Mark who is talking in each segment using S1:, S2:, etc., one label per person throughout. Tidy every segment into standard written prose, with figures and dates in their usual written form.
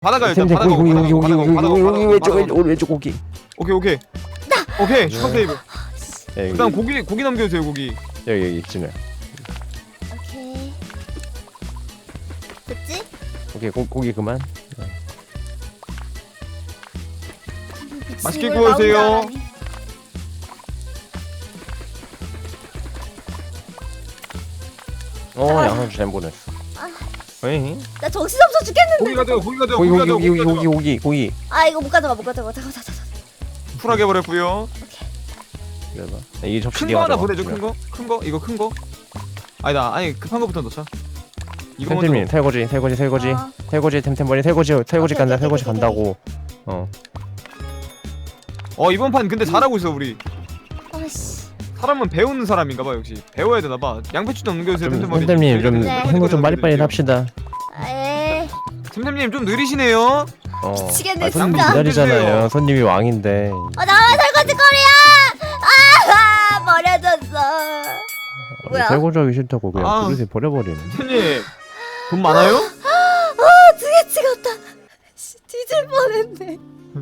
S1: 바다가 일단
S2: 템템
S1: 바다가
S2: 고기
S1: 바다가
S2: 왼쪽 고기.
S1: 오케이 슈퍼 세이브.
S2: 예,
S1: 그다음 고기 남겨주세요. 고기.
S2: 여기 있지네.
S3: 오케이. 됐지?
S2: 오케이 고기 그만.
S1: 맛있게
S3: 이걸
S1: 구워주세요.
S3: 나온 줄 알았니?
S2: 양상추 잘 보냈어. 에이.
S3: 나 정신없어 죽겠는데.
S1: 고기 가져요.
S2: 고기.
S3: 아 이거 못 가져가. 잠깐.
S1: 쿨하게 버렸고요.
S2: 그래봐. 이 접시
S1: 큰
S2: 네가
S1: 거 하나
S2: 가져와.
S1: 보내줘. 큰 거 이거 큰 거. 아니 급한 거부터 넣자. 이거 먼저.
S2: 템템님 설거지.
S3: 어.
S2: 설거지 템템버리 설거지 간다.
S3: 오케이,
S2: 설거지
S3: 오케이.
S2: 간다고.
S1: 이번 판 근데 잘하고 있어 우리.
S3: 아씨.
S1: 사람은 배우는 사람인가봐 역시. 배워야 되나봐. 양배추 좀 넘겨주세요. 템템머리.
S2: 템템님 좀
S3: 네.
S2: 행동 좀 빨리빨리 합시다.
S3: 에이.
S1: 템템님 좀 느리시네요.
S3: 미치겠네,
S2: 손님
S3: 진짜.
S2: 기다리잖아요. 손님이 왕인데.
S3: 나만 설거지 거리야. 버려졌어. 뭐야?
S2: 설거지하기 싫다고 그냥
S1: 아.
S2: 그릇에 버려버리네.
S1: 템템님 돈 많아요?
S3: 두 개 찍었다. 씨, 뒤질 뻔했네.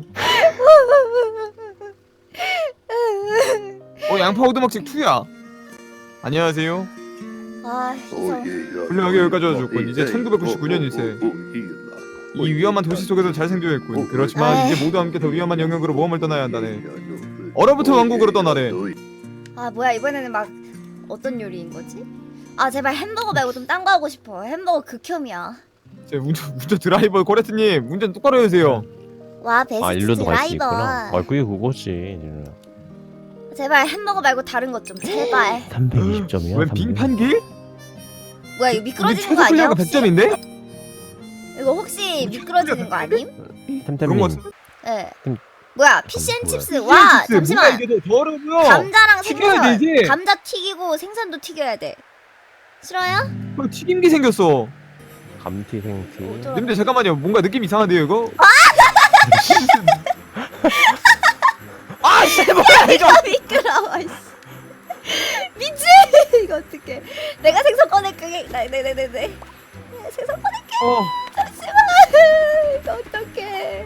S1: 양파 오두막집 2야. 안녕하세요.
S3: 아, 희성.
S1: 훌륭하게 여기까지 와줬군. 이제 1999년일세. 이 위험한 도시 속에서 잘 생존했군. 그렇지만
S3: 에이.
S1: 이제 모두 함께 더 위험한 영역으로 모험을 떠나야 한다네. 얼어붙은 왕국으로 떠나래.
S3: 아, 뭐야 이번에는 막 어떤 요리인 거지? 아, 제발 햄버거 말고 좀 딴 거 하고 싶어. 햄버거 극혐이야.
S1: 제 운전 드라이버 코레트님 운전 똑바로 해주세요.
S3: 와, 베스트
S2: 일로도 갈 수
S3: 드라이버.
S2: 있구나. 그게 그거지.
S3: 제발 햄버거 말고 다른 것 좀 제발.
S2: 320점이야.
S1: 왜 빙판길?
S3: 뭐야 이거
S1: 우리
S3: 미끄러지는
S1: 최소
S3: 거 아니야?
S1: 클리어가
S3: 혹시?
S1: 100점인데?
S3: 이거 혹시 미끄러지는 거 아님?
S1: 그런
S2: 템템님
S1: 거 같은데?
S3: 네.
S2: 음.
S3: 뭐야 피쉬앤칩스.
S1: 뭐야,
S3: 와
S1: 칩스,
S3: 잠시만.
S1: 뭐가 이게 더 어려워요.
S3: 감자랑
S1: 튀겨야
S3: 생선.
S1: 되지.
S3: 감자 튀기고 생선도 튀겨야 돼. 싫어요?
S1: 튀김기 생겼어.
S2: 감튀 생튀.
S3: 어쩌-
S1: 근데 잠깐만요. 뭔가 느낌 이상한데요 이거? 아 씨, 뭐야 이거?
S3: 이거 미끄러워. 이씨. 미치 이거 어떡해. 내가 생선 꺼낼게. 네네네네. 생선 꺼낼게. 잠시만. 이거 어떡해.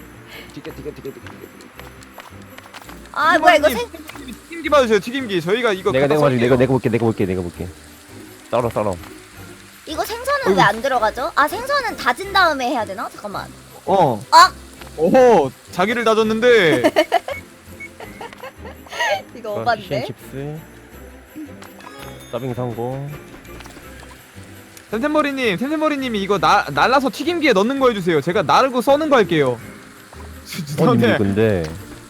S3: 아 뭐야 이거 생.
S1: 튀김기 봐주세요. 튀김기. 저희가 이거
S2: 내가
S1: 갖다
S2: 가지고
S1: 쏠게요.
S2: 내가 볼게. 썰어.
S3: 이거 생선은 왜 안 들어가죠? 아 생선은 다진 다음에 해야 되나? 잠깐만.
S1: 아! 오호 자기를 다졌는데.
S3: 이거 오반데.
S2: 피쉬앤칩스. 서빙 성공.
S1: 템템머리님이 이거 날라서 튀김기에 넣는 거 해주세요. 제가 나르고 써는 거 할게요.
S2: 아니 근데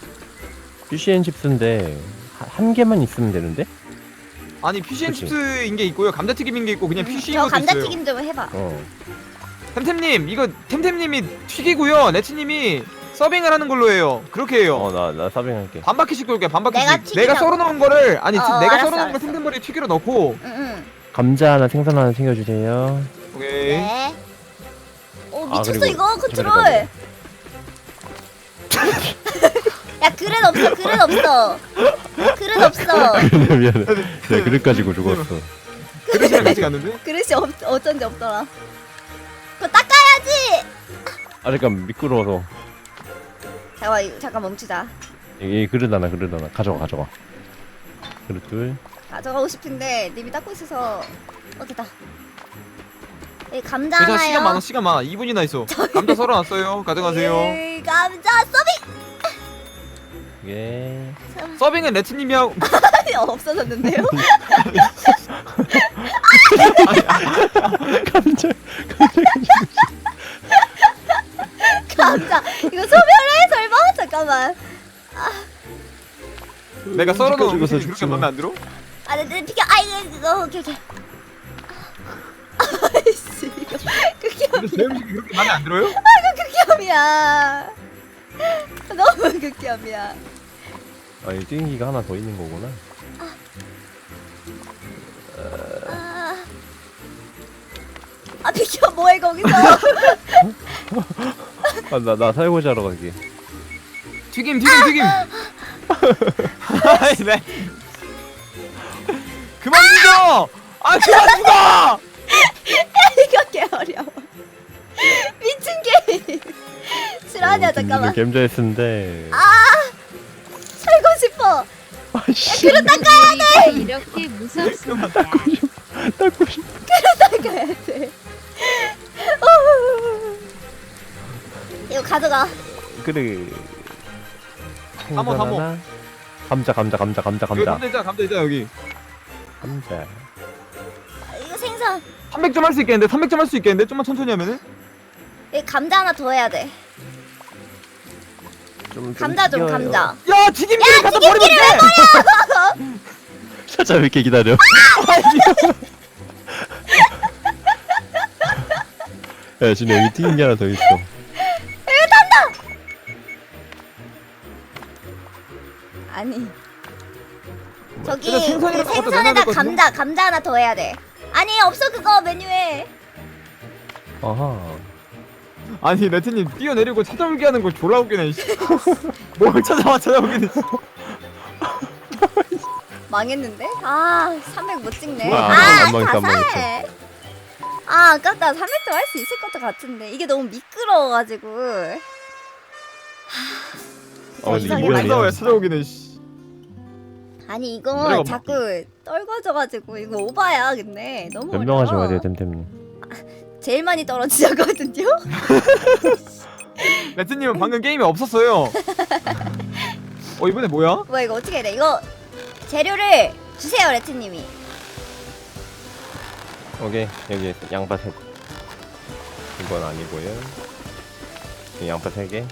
S2: 피쉬앤칩스인데 한 개만 있으면 되는데?
S1: 아니 피쉬앤칩스인 게 있고요. 감자튀김인 게 있고 그냥 피쉬인
S3: 저
S1: 것도 있어요.
S3: 감자튀김 좀 해봐.
S1: 템템님 이거 템템님이 튀기고요. 레츠님이 서빙을 하는 걸로 해요. 그렇게 해요.
S2: 나 서빙할게.
S1: 반바퀴씩 돌게. 반바퀴씩.
S3: 내가 튀기라고.
S1: 내가 썰어놓은 거를 아니 내가
S3: 알았어,
S1: 썰어놓은 거
S3: 알았어.
S1: 템템머리 튀기로 넣고.
S3: 응응.
S2: 감자 하나 생선 하나 챙겨주세요.
S1: 오케이.
S3: 네. 오
S2: 아,
S3: 미쳤어
S2: 그리고
S3: 이거 컨트롤.
S2: 잠깐만.
S3: 야 그릇 없어.
S2: 미안해. 내가 그릇 가지고 죽었어.
S1: 그릇이랑 같이 갔는데?
S3: 그릇이 어쩐지 없더라. 그거 닦아야지.
S2: 아 잠깐 미끄러워서.
S3: 잠깐 멈추자.
S2: 이 그릇 하나 가져가. 그릇 둘.
S3: 가져가고 싶은데 님이 닦고 있어서 됐다. 이 감자
S1: 괜찮아.
S3: 하나요.
S1: 시간 많아. 2분이나 있어. 감자 썰어놨어요. 가져가세요.
S3: 이 감자 서빙.
S2: 예.
S1: 서빙은 레츠님이 하고.
S3: 없어졌는데요? 감자 이거 소멸해 설마? 잠깐만.
S1: 내가 썰어놓은
S2: 죽어서
S1: 음식이 그렇게
S2: 죽지 마.
S1: 마음에 안 들어?
S3: 네, 비켜. 이거 오케이. 아이씨 이거
S1: 근데 제 음식이 그렇게 마음에 안 들어요?
S3: 극혐이야. 너무 극혐이야.
S2: 이 튀김기가 하나 더 있는 거구나.
S3: 비켜 뭐해 거기서.
S2: 나 설거지 하러 갈게.
S1: 튀김. 아이 네. 그만 죽어! 그만 죽어!
S3: 이거 개 어려워. 미친 게임. 실화냐 잠깐만.
S2: gem자에 쓰는데.
S3: 살고 싶어.
S2: 아씨.
S3: 그릇 닦아야 돼.
S4: 이렇게 무섭습니다.
S2: 닦고 싶.
S3: 닦아야 돼. 이거 가져가.
S2: 그래.
S1: 사모, 사모.
S2: 생선 하나. 감자.
S1: 여기 감자 있잖아 감자 있잖아 여기.
S2: 감자.
S3: 이거 생선.
S1: 300점 할 수 있겠는데 300점 할 수 있겠는데 좀만 천천히 하면은.
S3: 이 감자 하나 더 해야 돼. 감자 좀
S2: 튀겨요.
S3: 감자.
S1: 야 튀김기를 갖다 버리면 돼.
S2: 찾아 왜 이렇게 기다려? 야 진짜 여기 튀김기 하나 더 있어.
S3: 아니. 저기
S1: 일단
S3: 그
S1: 생선이랑 갖다 넣어야
S3: 생선에다
S1: 될 것 같은데?
S3: 감자 하나 더 해야 돼. 아니 없어 그거 메뉴에.
S2: 아하.
S1: 아니 레트님 뛰어내리고 찾아오기 하는 거 졸라 웃기네. 씨. 뭘 찾아오기는.
S3: 망했는데? 아, 300 못 찍네.
S2: 아, 안 망했어, 안
S3: 가사해. 아, 아깝다. 300도 할 수 있을 것도 같은데 이게 너무 미끄러워가지고.
S2: 근데
S3: 이상해.
S2: 이번에
S1: 찾아와야 찾아오기는. 씨.
S3: 아니 이거
S1: 내려가 봐.
S3: 자꾸 떨궈져가지고 이거 오바야 근데 너무
S2: 연명하지
S3: 어려워.
S2: 마세요 템템님.
S3: 제일 많이 떨어지셨거든요.
S1: 레트님은 방금 게임이 없었어요. 이번에 뭐야?
S3: 뭐야 이거 어떻게 해야 돼? 이거 재료를 주세요 레트님이.
S2: 오케이 여기 양파 3. 이건 아니고요. 여기 양파 3개.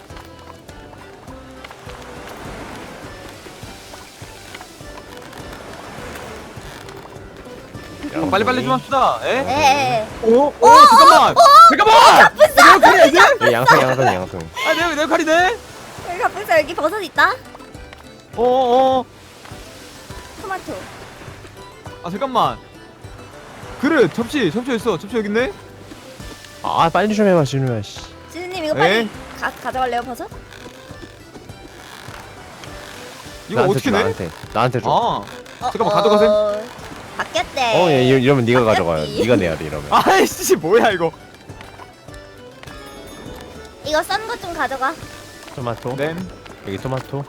S1: 빨리빨리 좀 합시다. 에?
S3: 네.
S1: 오 잠깐만. 잠깐만. 내 역할이지?
S2: 여기 양송.
S1: 아 내 역할이네.
S3: 여기 갑분사 여기 버섯 있다.
S1: 어어.
S3: 토마토.
S1: 아 잠깐만. 그릇 접시 있어. 접시 여기 있네.
S2: 아 빨리 좀 해봐 진우야 씨.
S3: 지수님 이거 빨리
S1: 에?
S3: 가져갈래요 버섯?
S1: 이거
S2: 나한테
S1: 어떻게
S2: 줘,
S1: 내?
S2: 나한테 줘.
S1: 아 잠깐만, 가져가세요.
S3: 바뀌었대.
S2: 얘 이러면 네가 가져가요.
S3: 바뀌었지.
S2: 네가 내야 돼 이러면.
S1: 아이씨 뭐야 이거.
S3: 이거 썬 거 좀 가져가.
S2: 토마토.
S1: 네.
S2: 여기 토마토.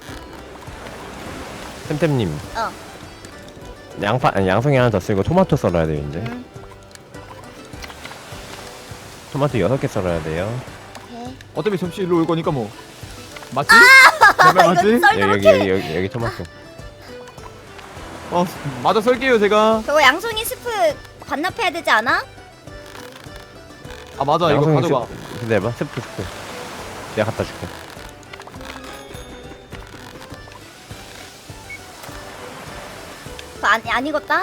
S2: 템템님.
S3: 어.
S2: 양송이 하나 더 쓰고 토마토 썰어야 돼요 이제. 토마토 6개 썰어야 돼요.
S3: 오케이.
S1: 어차피 접시 일로 올 거니까 뭐. 맞지? 제발
S3: 이거
S1: 맞지?
S3: 썰
S2: 여기 토마토.
S1: 맞아 썰게요 제가.
S3: 저거 양송이 스프 반납해야 되지 않아?
S1: 아 맞아 이거 가져가.
S2: 기다려봐. 스프. 내가 갖다 줄게.
S3: 그거 안 익었다?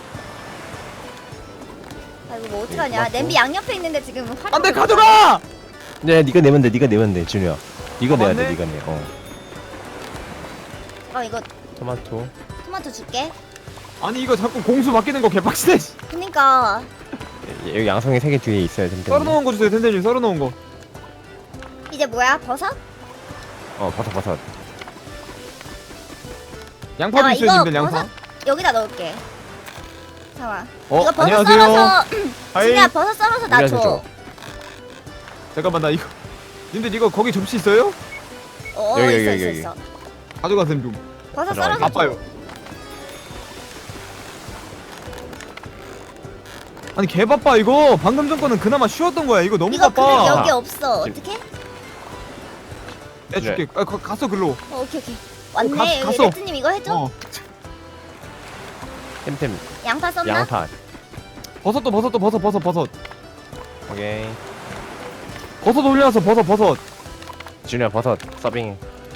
S3: 아 이거 뭐 어떡하냐.
S2: 토마토.
S3: 냄비 양옆에 있는데 지금 활용.
S1: 안돼 가져가.
S2: 네, 네가 내면 돼, 진우야. 이거 내야 돼,
S1: 맞네?
S2: 네가 내.
S3: 이거
S2: 토마토.
S3: 토마토 줄게.
S1: 아니 이거 자꾸 공수 바뀌는 거 개빡치네.
S3: 그니까
S2: 여기 양송이 3개 뒤에 있어요, 템템.
S1: 썰어놓은 거 주세요 텐텐님. 썰어놓은 거.
S3: 이제 뭐야 버섯?
S2: 버섯.
S1: 양파도
S3: 야,
S1: 있어요
S3: 이거
S1: 님들 양파.
S3: 버섯 여기다 넣을게. 잠깐만.
S1: 어,
S3: 이거 버섯
S1: 안녕하세요.
S3: 썰어서
S1: 하이.
S3: 진이야 버섯 썰어서 나
S2: 우리한테
S3: 줘.
S2: 줘.
S1: 잠깐만 나 이거. 님들 이거 거기 접시 있어요?
S2: 여기,
S3: 있어
S2: 여기,
S3: 있어
S2: 여기.
S3: 있어.
S1: 가져가셈 좀.
S3: 버섯
S2: 가져와,
S3: 썰어서 줘.
S1: 바빠요. 아니 개 바빠 이거. 방금 전 거는 그나마 쉬웠던 거야. 이거 너무
S3: 이거 그릇
S1: 바빠.
S3: 여기 없어.
S2: 지금-
S3: 어떻게?
S1: 내줄게. 갔어 글로.
S3: 오케이. 왔네.
S1: 가-
S3: 여기
S1: 갔어.
S3: 레트님 이거 해줘.
S2: 템템.
S3: 양파 썰나?
S2: 양파.
S1: 버섯.
S2: 오케이.
S1: 버섯 올려서 버섯.
S2: 진우야, 버섯. 서빙.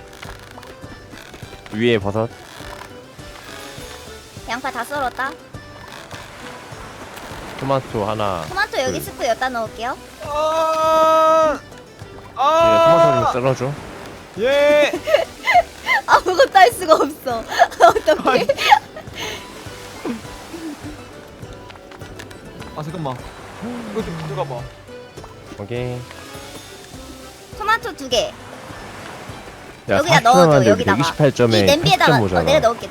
S2: 위에 버섯.
S3: 양파 다 썰었다.
S2: 토마토 하나.
S3: 토마토 여기 스프 여기다 넣을게요.
S1: 아.
S2: 토마토 좀 썰어줘.
S1: 예.
S3: 아무것도 할 수가 없어. 어떡해?
S1: 아 잠깐만. 이거 좀 가져가봐.
S2: 오케이.
S3: 토마토 2개.
S2: 야,
S3: 여기다
S2: 40점
S3: 넣어줘,
S2: 만데
S3: 여기다가.
S2: 128점에
S3: 이 냄비에다가
S2: 80점 오잖아.
S3: 내가 넣을게.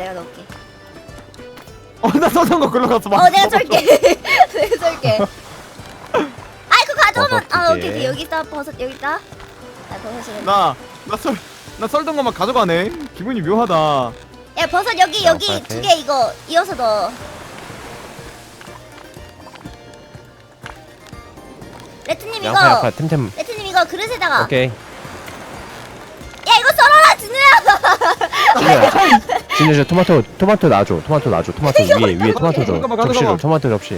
S1: 나 써놓은 거 글로 갔어.
S3: 내가 썰게. 내가 썰게. 아이고 가져오면
S2: 버섯 두
S3: 오케이 오케이 여기 있다 버섯 여기 있다. 나 버섯을.
S1: 나 썰던 것만 가져가네. 기분이 묘하다.
S3: 야 버섯 여기 여기
S2: 양파에.
S3: 2개 이거 이어서 넣어. 레트님
S2: 양파
S3: 이거
S2: 양파 템템.
S3: 레트님 이거 그릇에다가.
S2: 오케이.
S3: 야 이거 썰어라 진우야.
S2: 진우 저 토마토 놔줘. 토마토 위에 토마토 줘.
S1: 잠깐만,
S2: 접시
S1: 가져가봐.
S2: 줘. 토마토 접시.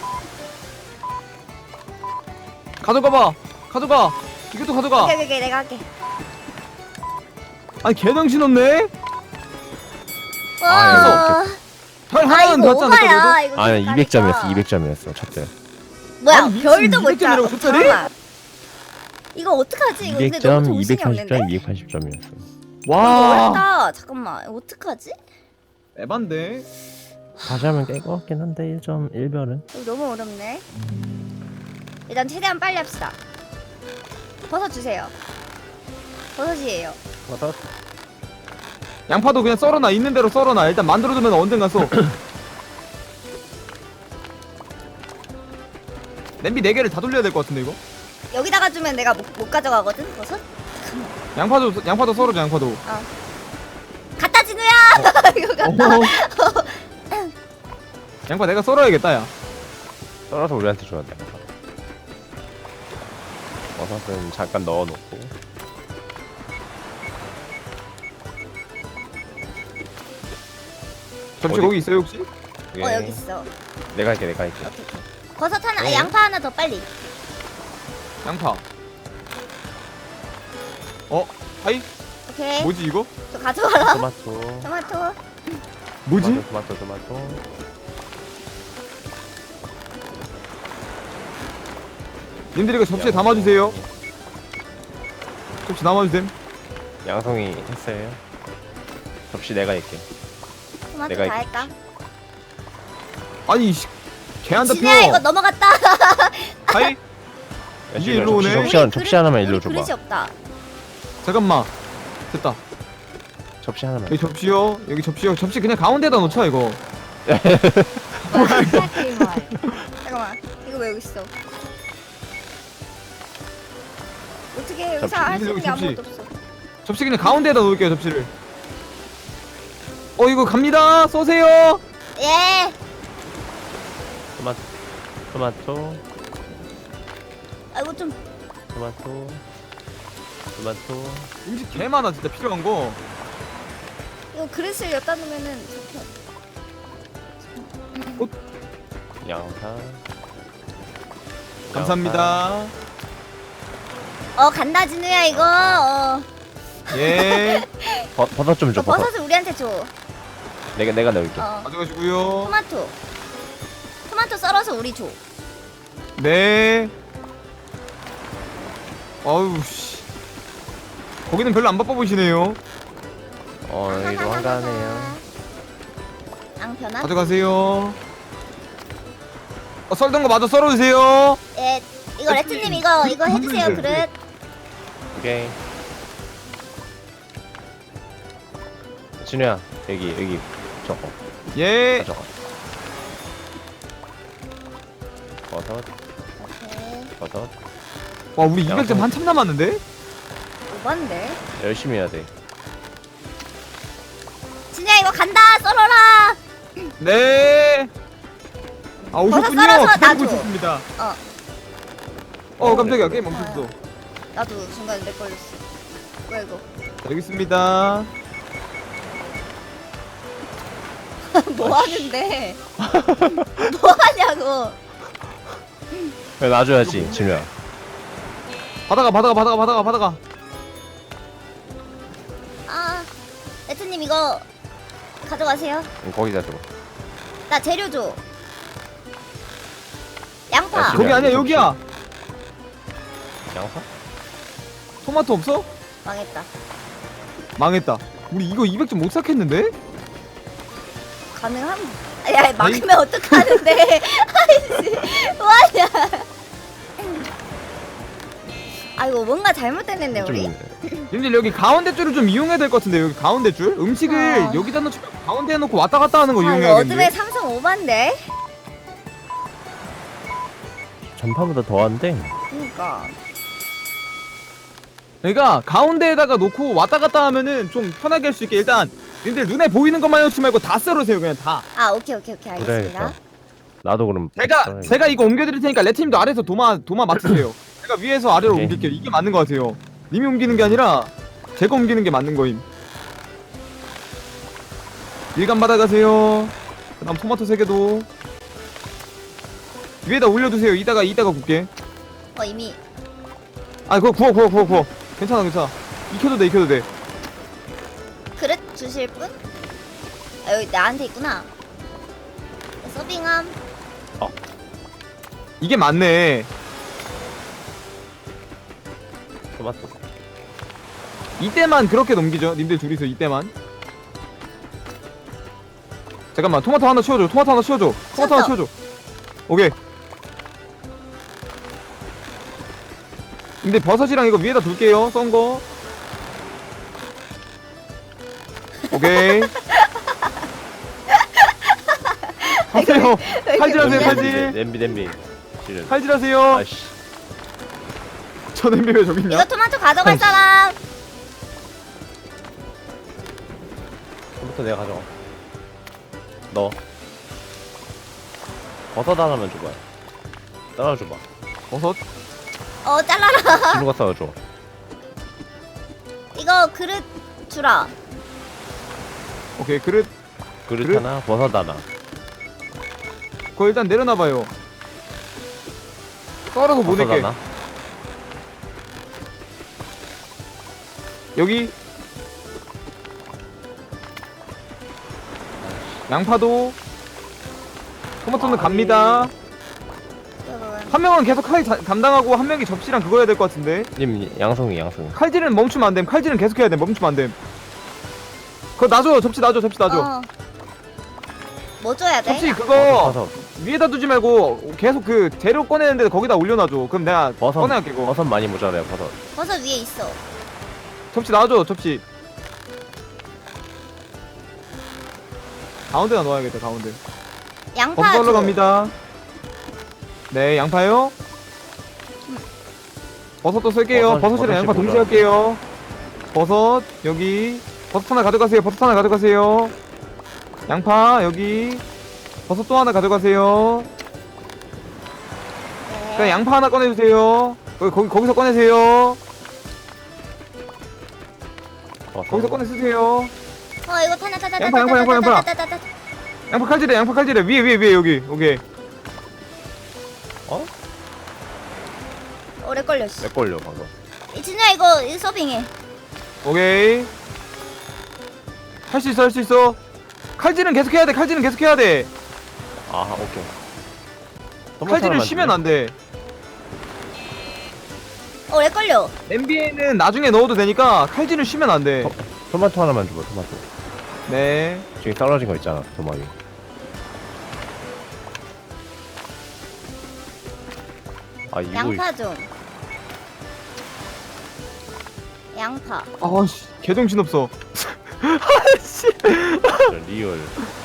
S1: 가져가봐. 가져가. 이것도 가져가.
S3: 오케이 오케이 내가 할게.
S1: 아니 개정신 없네.
S3: 와.
S1: 별
S3: 아
S1: 하나는
S3: 이거
S1: 더 짰는데
S3: 오바야. 이거
S2: 아니
S3: 그러니까.
S2: 200점이었어 첫째.
S3: 뭐야
S1: 아니, 미친,
S3: 별도 못
S1: 200점이라고
S3: 짜.
S1: 쳤더니?
S3: 잠깐만. 이거 어떡하지? 이거 근데 너무
S2: 200점,
S3: 정신이 없는데?
S2: 240점, 280점이었어.
S3: 이거
S1: 와.
S3: 어렵다. 잠깐만. 이거 어떡하지?
S1: 에반데.
S2: 다시 하면 깰 것 같긴 한데 1점 1별은.
S3: 이거 너무 어렵네. 일단 최대한 빨리 합시다. 버섯 주세요. 버섯이에요.
S1: 양파도 그냥 썰어놔. 있는 대로 썰어놔. 일단 만들어두면 언젠가 써. 냄비 4개를 다 돌려야 될 것 같은데 이거?
S3: 여기다가 주면 내가 못 가져가거든. 버섯.
S1: 양파도 썰어줘. 양파도.
S3: 갖다 진우야. 이거 갖다.
S1: 양파 내가 썰어야겠다 야.
S2: 썰어서 우리한테 줘야 돼. 버섯은 잠깐 넣어놓고.
S1: 접시
S2: 어디?
S1: 거기 있어요 혹시?
S2: 예.
S3: 여기 있어.
S2: 내가 할게.
S3: 오케이. 버섯 하나,
S2: 네.
S3: 양파 하나 더 빨리.
S1: 양파. 하이?
S3: 오케이.
S1: 뭐지 이거?
S3: 저 가져가라.
S2: 토마토.
S3: 토마토.
S1: 뭐지?
S2: 토마토.
S1: 님들 이거 접시에 담아주세요. 접시 담아주셈.
S2: 양송이 했어요. 접시 내가 할게.
S3: 토마토
S2: 내가
S3: 다
S2: 이렇게
S3: 할까?
S1: 아니 개안 잡혀.
S3: 진우야 이거 넘어갔다.
S1: 하이?
S2: 야,
S1: 이게
S2: 지금
S1: 일로 오네.
S2: 접시 하나만 일로
S3: 우리
S2: 줘봐.
S3: 그릇이 없다.
S1: 잠깐만. 됐다.
S2: 접시 하나만.
S1: 여기 접시요. 여기 접시요. 접시 그냥 가운데다 놓자 이거.
S3: 잠깐만. 이거 왜 여기 있어? 어떻게
S2: 접시.
S3: 여기서 할 수 있는 게
S1: 접시.
S3: 아무것도 없어.
S1: 접시 그냥 가운데다 놓을게요 접시를. 이거 갑니다. 쏘세요.
S3: 예.
S2: 토마토.
S3: 아이고 좀.
S2: 토마토.
S1: 음식 개 많아 진짜 필요한 거.
S3: 이거 그릇을 엿다 놓으면은
S2: 양파.
S1: 감사합니다.
S3: 간다 진우야 이거.
S1: 예.
S2: 버섯 좀 줘. 버섯.
S3: 버섯을 우리한테 줘.
S2: 내가 넣을게.
S1: 가져가시고요.
S3: 토마토 썰어서 우리 줘.
S1: 네. 어우 씨. 거기는 별로 안 바빠 보이시네요.
S2: 여기도 한가하네요.
S3: 앙편아.
S1: 가져가세요. 썰던 거 마저 썰어주세요.
S3: 예. 이거 레트님 이거 해주세요 그릇.
S2: 오케이. 진우야 여기 저거
S1: 예.
S2: 가져가. 버섯.
S1: 와 우리 200점 한참 남았는데?
S3: 오반데.
S2: 열심히 해야 돼.
S3: 진우야 이거 간다 썰어라.
S1: 네. 오셨군요.
S3: 썰어서
S1: 기다리고
S3: 놔줘.
S1: 있었습니다.
S3: 어.
S1: 깜짝이야 게임 멈췄어.
S3: 나도 중간에 렉 걸렸어. 뭐야 이거?
S1: 여기 있습니다.
S3: 뭐 하는데? 뭐 하냐고.
S2: 그래 놔줘야지 진우야.
S1: 받아가.
S3: 레트님 이거 가져가세요.
S2: 거기다 줘.
S3: 나 재료 줘. 양파.
S2: 야,
S1: 거기 아니야
S2: 접시.
S1: 여기야.
S2: 양파?
S1: 토마토 없어?
S3: 망했다.
S1: 망했다. 우리 이거 200점 못 삭혔는데?
S3: 가능함? 야 막으면 어떡하는데? 아이씨 뭐하냐? 아이고 뭔가 잘못됐는데 우리.
S1: 님들 여기 가운데 줄을 좀 이용해야 될 것 같은데 여기 가운데 줄? 음식을 여기다 놓지 말고 가운데에 놓고 왔다 갔다 하는 거
S3: 이거
S1: 이용해야겠네.
S3: 어둠의 삼성 오반데?
S2: 전파보다 더한데.
S3: 그니까 그러니까.
S1: 그러니까 가운데에다가 놓고 왔다 갔다 하면은 좀 편하게 할 수 있게 일단 님들 눈에 보이는 것만 넣지 말고 다 썰으세요 그냥 다.
S3: 아 오케이 알겠습니다.
S2: 그래야겠다. 나도 그럼
S1: 제가 이거 옮겨드릴 테니까 레트님도 아래에서 도마 맡으세요. 제가 위에서 아래로
S2: 오케이.
S1: 옮길게요. 이게 맞는 것 같아요. 님이 옮기는 게 아니라 제가 옮기는 게 맞는 거임. 일감 받아가세요. 그다음 토마토 3개도 위에다 올려두세요. 이따가 굽게.
S3: 이미
S1: 아 그거 구워. 괜찮아. 익혀도 돼.
S3: 그릇 주실 분? 아 여기 나한테 있구나. 서빙함.
S1: 이게 맞네.
S2: 토마토.
S1: 이때만 그렇게 넘기죠. 님들 둘이서 이때만. 잠깐만 토마토 하나 치워줘. 오케이. 근데 버섯이랑 이거 위에다 둘게요. 썬 거. 오케이. 하세요. 칼질하세요. 칼질.
S2: 냄비. 실은.
S1: 칼질하세요.
S2: 아씨.
S1: 저 냄비 왜 저기 있냐?
S3: 이거 토마토 가져갈 사람.
S2: 토마토 내가 가져가. 너. 버섯 하나만 줘봐. 따라줘봐.
S1: 버섯.
S3: 잘라라.
S2: 진우가 싸워줘.
S3: 이거 그릇 주라.
S1: 오케이 그릇.
S2: 그릇 하나, 버섯 하나.
S1: 그거 일단 내려놔봐요. 썰어서 못
S2: 버섯
S1: 낼게.
S2: 하나.
S1: 여기 양파도 토마토는 갑니다. 한 명은 계속 칼 담당하고 한 명이 접시랑 그거 해야 될 것 같은데.
S2: 님 양송이.
S1: 칼질은 멈추면 안 됨. 칼질은 계속 해야 돼. 멈추면 안 됨. 그거 놔줘. 접시 놔줘.
S3: 뭐 줘야 돼?
S1: 접시 그거
S2: 버섯.
S1: 위에다 두지 말고 계속 그 재료 꺼내는데 거기다 올려놔줘. 그럼 내가
S2: 버섯.
S1: 꺼내갈게 그거.
S2: 버섯 많이 모자라요. 버섯.
S3: 버섯 위에 있어.
S1: 접시 놔줘. 접시 가운데다 넣어야겠다. 가운데.
S3: 양파
S1: 버섯
S3: 줘.
S1: 썰러 갑니다. 네, 양파요. 버섯도 쓸게요. 버섯이랑 양파 동시에 할게요. 버섯 여기. 버섯 하나 가져가세요. 양파 여기. 버섯 또 하나 가져가세요.
S3: 네.
S1: 그냥 양파 하나 꺼내주세요. 거기서 꺼내세요. 거기서 꺼내 쓰세요.
S3: 이거 타나.
S1: 양파. 양파 칼질해. 위에 여기. 오케이.
S3: 오래 걸려. 씨.
S2: 내 걸려 방금.
S3: 진우야 이거 서빙해.
S1: 오케이. 할 수 있어. 칼질은 계속 해야 돼.
S2: 아 오케이.
S1: 칼질을 쉬면 안 돼.
S3: 오래 걸려.
S1: 냄비에는 나중에 넣어도 되니까 칼질을 쉬면 안 돼.
S2: 토마토 하나만 줘봐. 토마토.
S1: 네.
S2: 저기 떨어진 거 있잖아. 토마토. 아 이거
S3: 양파 좀. 양파.
S1: 아씨, 개정신 없어. 아씨.
S2: 진짜 리얼.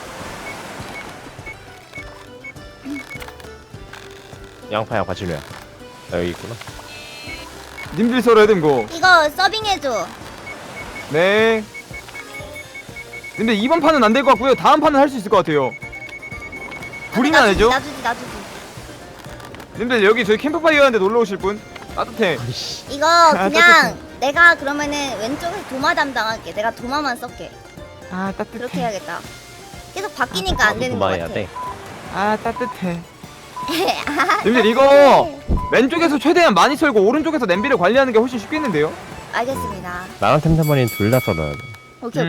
S2: 양파 진우야. 여기 있구나.
S1: 님들 썰어야 됨 거.
S3: 이거 서빙해줘.
S1: 네. 근데 이번 판은 안 될 것 같고요. 다음 판은 할 수 있을 것 같아요. 불이면 안 되죠?
S3: 놔주지.
S1: 님들 여기 저희 캠프파이어 하는데 놀러 오실 분? 따뜻해.
S3: 이거 그냥 내가 그러면은 왼쪽에서 도마 담당할게. 내가 도마만 썰게.
S1: 아 따뜻해.
S3: 그렇게 해야겠다. 계속 바뀌니까 안 되는 것
S2: 그만해야
S3: 같아.
S2: 돼.
S1: 아 따뜻해. 님들 이거 왼쪽에서 최대한 많이 썰고 오른쪽에서 냄비를 관리하는 게 훨씬 쉽겠는데요?
S3: 알겠습니다.
S2: 나랑 템템머니는 둘 다 썰어야 돼.
S3: 오케이.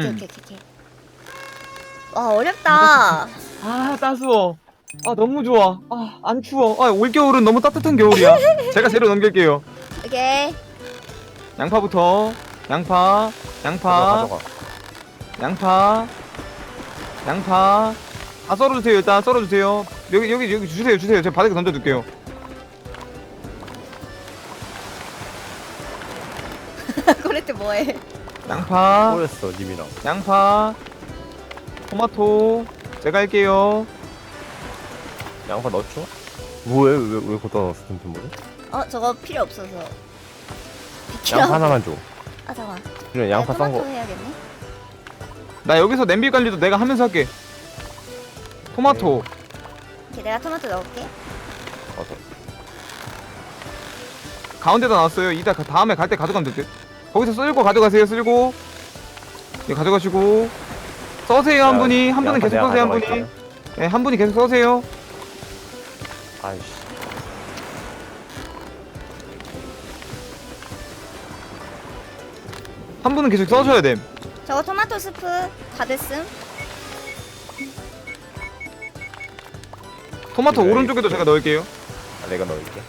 S3: 와 어렵다.
S1: 아 따스워. 아 너무 좋아. 아 안 추워. 아 올겨울은 너무 따뜻한 겨울이야. 제가 재료 넘길게요.
S3: 오케이.
S1: 양파부터. 양파.
S2: 가져가.
S1: 다 썰어주세요. 일단 썰어주세요. 여기 주세요. 제가 바닥에 던져둘게요.
S3: 코레트 뭐해?
S1: 양파.
S2: 꼬였어 님이랑.
S1: 양파. 토마토. 제가 할게요.
S2: 양파 넣었죠? 왜 거기다 넣었어 템템머니?
S3: 저거 필요 없어서. 비키라.
S2: 양파 하나만 줘.
S3: 아 잠깐.
S2: 그래 양파 썬
S3: 토마토
S2: 거.
S3: 해야겠네.
S1: 나 여기서 냄비 관리도 내가 하면서 할게. 토마토.
S3: 오케이, 내가 토마토 넣을게.
S2: 어서.
S1: 가운데다 놨어요. 이따 다음에 갈 때 가져가면 될 듯. 거기서 쓸고 가져가세요. 쓸고. 예, 가져가시고. 써세요 한 분이. 한 분은
S2: 양파
S1: 계속
S2: 내가
S1: 써세요 한 분이.
S2: 가져갈게요.
S1: 네, 한 분이 계속 써세요.
S2: 아이씨.
S1: 한 분은 계속 써줘야 됨.
S3: 저거 토마토 스프 다 됐음.
S1: 토마토
S2: 이거
S1: 오른쪽에도
S2: 이거.
S1: 제가 넣을게요.
S2: 아, 내가 넣을게.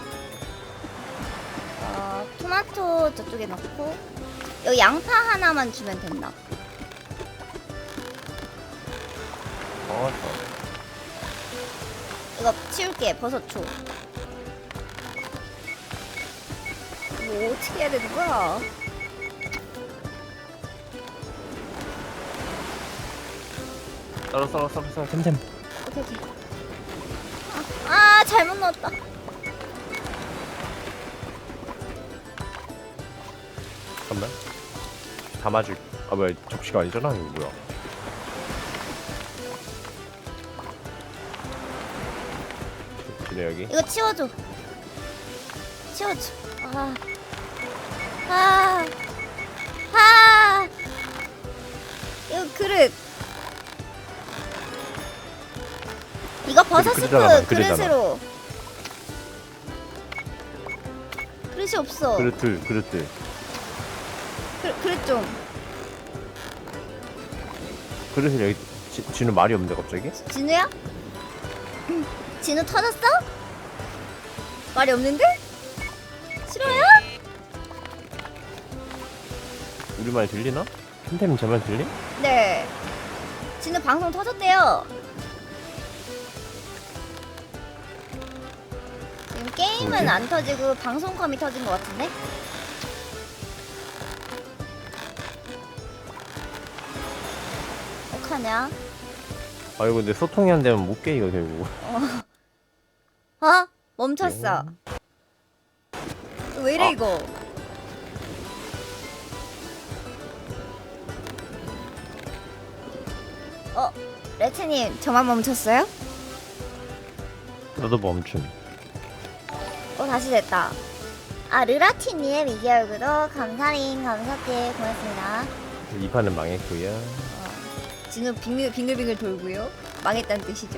S3: 토마토 저쪽에 넣고 여기 양파 하나만 주면 된다.
S2: 어서.
S3: 이거 치울게. 버섯 줘. 이거 어떻게 해야 되는 거야?
S2: 썰어 템템.
S3: 오케이 오케이. 아 잘못 넣었다.
S2: 잠깐만. 담아줄. 아 뭐야 접시가 아니잖아 이거 뭐야. 진우 여기.
S3: 이거 치워줘. 치워줘. 아. 이거 그릇. 이거 버섯 스프
S2: 그릇이잖아, 그릇이잖아.
S3: 그릇으로. 그릇이 없어.
S2: 그릇들.
S3: 그릇 좀.
S2: 그릇을 여기 진우 말이 없는데 갑자기?
S3: 진우야? 진우 터졌어? 말이 없는데? 싫어요?
S2: 우리 말 들리나? 템템 제 말 들리?
S3: 네. 진우 방송 터졌대요. 지금 게임은
S2: 뭐지?
S3: 안 터지고 방송컴이 터진 것 같은데? 어떡하냐?
S2: 아 이거 근데 소통이 안 되면 못 깨 이거 결국.
S3: 멈췄어. 왜 이래 이거? 레츠님 저만 멈췄어요?
S2: 너도 멈춤.
S3: 다시 됐다. 르라티님 2개월 구독 감사링 감사띠 고맙습니다.
S2: 이 판은 망했고요.
S3: 진우 빙글빙글 돌고요. 망했다는 뜻이죠?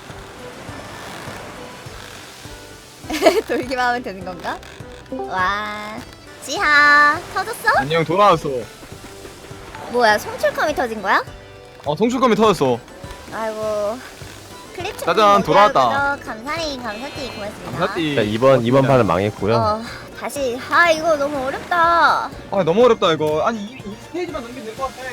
S3: 돌기만 하면 되는 건가? 와, 지하 터졌어?
S1: 안녕 돌아왔어.
S3: 뭐야, 송출컴이 터진 거야?
S1: 송출감이 터졌어.
S3: 아이고, 클립
S1: 짜잔, 돌아왔다.
S3: 감사링 감사띠 고맙습니다.
S1: 감사띠.
S2: 자, 이번 판은 망했고요.
S3: 다시 이거 너무 어렵다.
S1: 너무 어렵다 이거. 아니 이 스테이지만 넘기면 될 것 같아.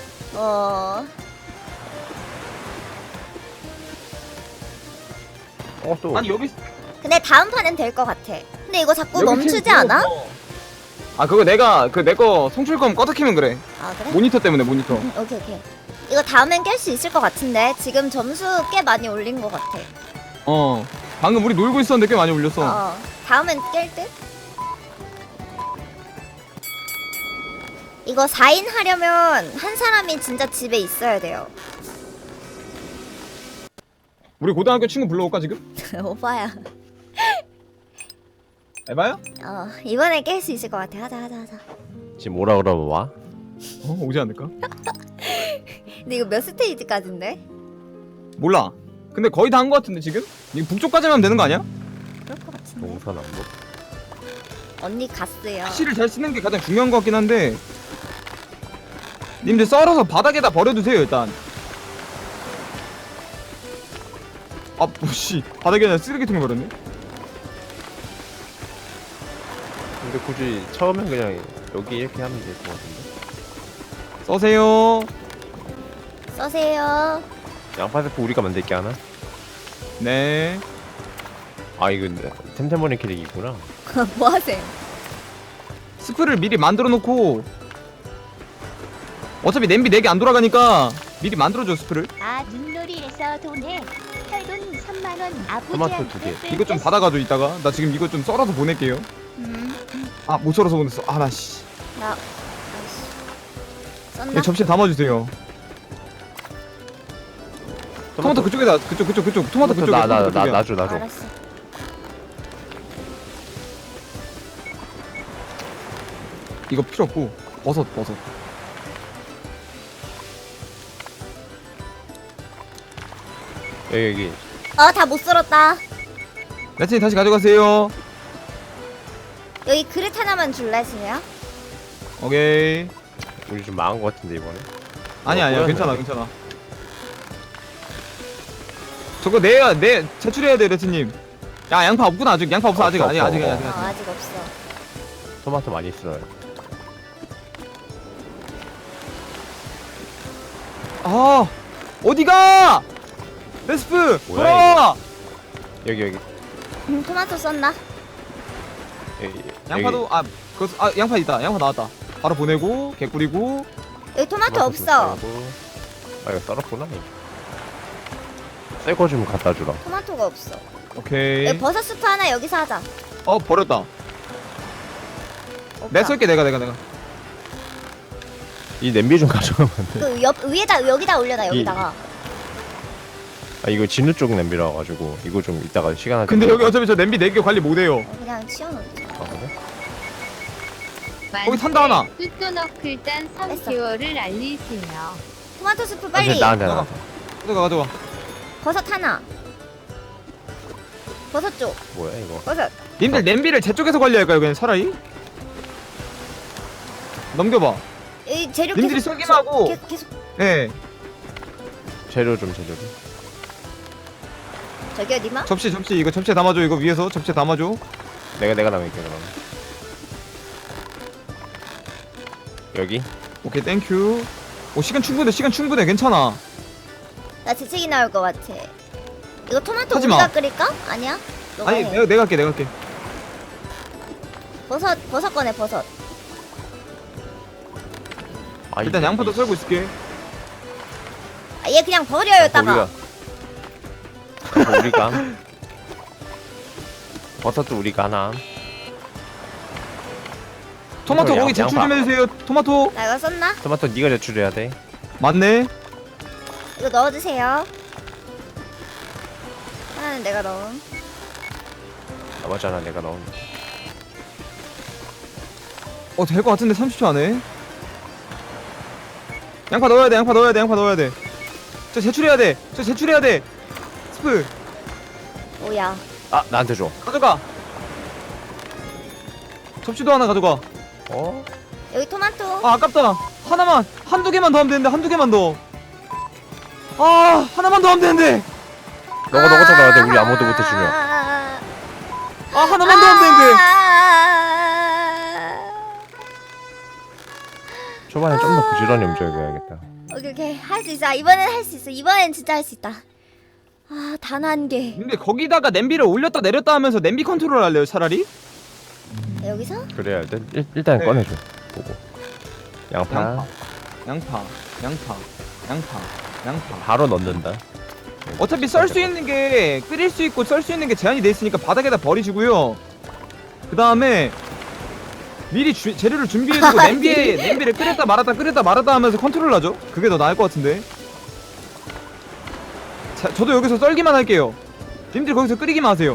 S2: 또.
S1: 아니 여기
S3: 근데 다음 판엔 될 것 같아. 근데 이거 자꾸
S1: 여기
S3: 멈추지
S1: 지금
S3: 않아?
S1: 그거 내가 내 거 송출검 꺼득히면 그래.
S3: 그래?
S1: 모니터 때문에 모니터.
S3: 오케이. 이거 다음엔 깰 수 있을 것 같은데 지금 점수 꽤 많이 올린 것 같아.
S1: 방금 우리 놀고 있었는데 꽤 많이 올렸어.
S3: 다음엔 깰 듯? 이거 4인 하려면 한 사람이 진짜 집에 있어야 돼요.
S1: 우리 고등학교 친구 불러올까 지금?
S3: 오빠야.
S1: 에바야?
S3: 이번에 깰 수 있을 것 같아. 하자.
S2: 지금 오라 그러면 와?
S1: 오지 않을까?
S3: 근데 이거 몇 스테이지까지인데?
S1: 몰라. 근데 거의 다 한 것 같은데 지금? 이거 북쪽까지만 하면 되는 거 아니야?
S3: 그럴 것 같은데.
S2: 동서남북.
S3: 언니 갔어요.
S1: 씨를 잘 쓰는 게 가장 중요한 것 같긴 한데 님들 썰어서 바닥에다 버려두세요 일단. 뭐씨 바닥에다 쓰레기통에 버렸네.
S2: 근데 굳이 처음엔 그냥 여기 이렇게 하면 될 것 같은데.
S1: 써세요.
S3: 써세요.
S2: 양파 세포 우리가 만들게 하나?
S1: 네.
S2: 이거 템템버린 캐릭이 있구나.
S3: 뭐 하세요?
S1: 스프를 미리 만들어 놓고 어차피 냄비 4개 안 돌아가니까 미리 만들어줘 스프를.
S4: 눈놀이에서 돈해 혈돈 10,000원
S2: 토마토
S4: 아버지한테
S2: 두 개.
S1: 이거 좀 받아가죠 이따가. 나 지금 이거 좀 썰어서 보낼게요. 아 못 썰어서 보냈어. 아나씨.
S3: 나 아이씨. 썼나?
S1: 이 접시에 담아주세요. 토마토 그쪽에다 그쪽 토마토 그쪽에. 토마토 그쪽에.
S2: 나줘.
S3: 알았어.
S1: 이거 필요 없고 버섯.
S2: 여기.
S3: 다 못 썰었다.
S1: 레츠님 다시 가져가세요.
S3: 여기 그릇 하나만 줄래, 진우야?
S1: 오케이.
S2: 우리 좀 망한 것 같은데 이번에.
S1: 아니야
S2: 뭐야,
S1: 괜찮아
S2: 이거.
S1: 괜찮아. 저거 내 제출해야 돼 레츠님. 야 양파 없구나 아직. 양파 없어 아직. 아직.
S3: 아직 없어.
S2: 토마토 많이 써요.
S1: 아 어디가? 레스프
S2: 뭐야,
S1: 돌아와.
S2: 여기.
S3: 토마토 썼나?
S2: 여기.
S1: 양파도 양파 있다. 양파 나왔다. 바로 보내고 개 뿌리고.
S3: 여기 토마토
S2: 좀
S3: 없어.
S2: 썰고. 아 이거 썰었구나. 새거 좀 갖다 주라.
S3: 토마토가 없어.
S1: 오케이.
S3: 여기 버섯 스프 하나 여기서 하자.
S1: 버렸다.
S3: 오빠.
S1: 내가 쏠게 내가.
S2: 이 냄비 좀 가져가면 안 돼?
S3: 그 위에다 여기다 올려놔 여기다가.
S2: 아 이거 진우 쪽 냄비라 가지고 이거 좀 이따가 시간 할 때.
S1: 근데 여기 어차피 저 냄비 4개 관리 못해요.
S3: 그냥 치워놓자.
S2: 아 그래?
S1: 거기 산다 하나.
S4: 뚜뚜너클단
S3: 뺐어.
S4: 3개월을 알리세요.
S3: 토마토 스프
S2: 아,
S3: 빨리.
S2: 나한테.
S1: 가져가.
S3: 버섯 하나. 버섯 쪽.
S2: 뭐야 이거?
S3: 버섯.
S1: 님들 냄비를 제 쪽에서 관리할까요 그냥 차라리? 넘겨봐.
S3: 이 재료
S1: 님들이
S3: 계속
S1: 썰기만 하고.
S3: 계속
S1: 예.
S2: 재료 좀.
S3: 저기요 니마.
S1: 접시 이거 접시에 담아줘. 이거 위에서 접시에 담아줘.
S2: 내가 남을게 그럼. 여기.
S1: 오케이 땡큐. 오 시간 충분해 괜찮아.
S3: 나 재채기 나올 것 같아. 이거 토마토
S1: 하지 마.
S3: 우리가 끓일까? 아니야? 너가
S1: 아니
S3: 해.
S1: 내가 할게.
S3: 버섯 꺼내 버섯.
S2: 아,
S1: 일단 양파도 썰고 있을게.
S3: 얘 그냥 버려요 따가.
S2: 우리가. 버섯도 우리가 하나.
S1: 토마토
S2: 양-
S1: 거기 제출 좀
S2: 양파.
S1: 해주세요. 토마토.
S3: 나 이거 썼나?
S2: 토마토 네가 제출해야 돼.
S1: 맞네.
S3: 이거 넣어주세요. 하나는 내가 넣음.
S2: 맞잖아 내가 넣은.
S1: 될 것 같은데 30초 안에. 양파 넣어야 돼. 저 제출해야 돼. 스프
S3: 오야.
S2: 아 나한테 줘.
S1: 가져가. 접시도 하나 가져가.
S2: 어?
S3: 여기 토마토.
S1: 아 아깝다. 한두 개만 더 하면 되는데. 하나만 더 하면 되는데.
S2: 너가 넣어야 돼. 우리 아무도 못 해주면.
S1: 하나만 더 하면 되는데.
S2: 초반에 좀 더 부지런히 움직여야겠다.
S3: 오케이 할 수 있어. 이번엔 할 수 있어. 이번엔 진짜 할 수 있다. 단 한 개.
S1: 근데 거기다가 냄비를 올렸다 내렸다 하면서 냄비 컨트롤 할래요 차라리?
S3: 여기서?
S2: 그래야 돼. 일단
S1: 네.
S2: 꺼내줘. 보고. 양파.
S1: 양파.
S2: 바로 넣는다.
S1: 어차피 썰 수 있는 게 끓일 수 있고 썰 수 있는 게 제한이 돼 있으니까 바닥에다 버리시고요. 그 다음에 미리 재료를 준비해두고 냄비를 끓였다 말았다 하면서 컨트롤하죠. 그게 더 나을 것 같은데. 자, 저도 여기서 썰기만 할게요. 님들 거기서 끓이기만 하세요.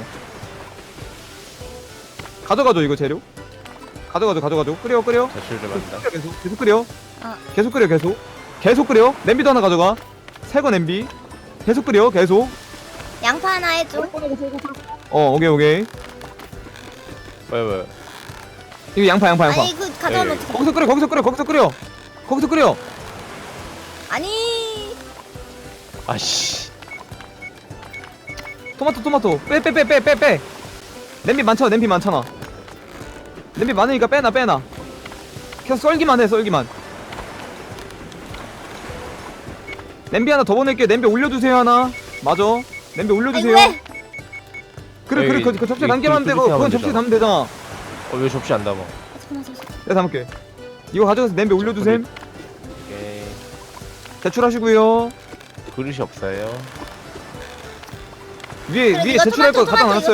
S1: 가져가죠 이거 재료. 가져가죠. 끓여.
S2: 제출 좀 한다.
S1: 계속 끓여.
S3: 어.
S1: 계속 끓여. 냄비도 하나 가져가. 새거 냄비. 계속 끓여. 계속.
S3: 양파 하나 해줘.
S1: 오케이.
S2: 왜?
S1: 이거 양파.
S3: 아니 그 가져오면
S2: 에이.
S3: 어떡해.
S1: 거기서 끓여.
S3: 아니.
S2: 아씨.
S1: 토마토. 빼. 냄비 많잖아. 냄비 많으니까 빼놔. 계속 썰기만 해. 냄비 하나 더 보낼게요. 냄비 올려주세요 하나. 맞아. 냄비 올려주세요.
S3: 아니 왜?
S1: 그래.
S2: 에이,
S1: 그 접시에
S2: 이-
S1: 담기만 하면
S2: 그
S1: 되고
S2: 접시에
S1: 그건
S2: 하면
S1: 접시에
S2: 되잖아.
S1: 담으면 되잖아.
S2: 왜 접시 안 담아?
S3: 잠깐만.
S1: 내가 담을게. 이거 가져가서 냄비 올려주셈.
S2: 오케이.
S1: 제출하시고요.
S2: 그릇이 없어요.
S1: 위에
S3: 그래,
S1: 위에
S3: 네가
S1: 제출할 거
S3: 토마토,
S1: 갖다 놨어요.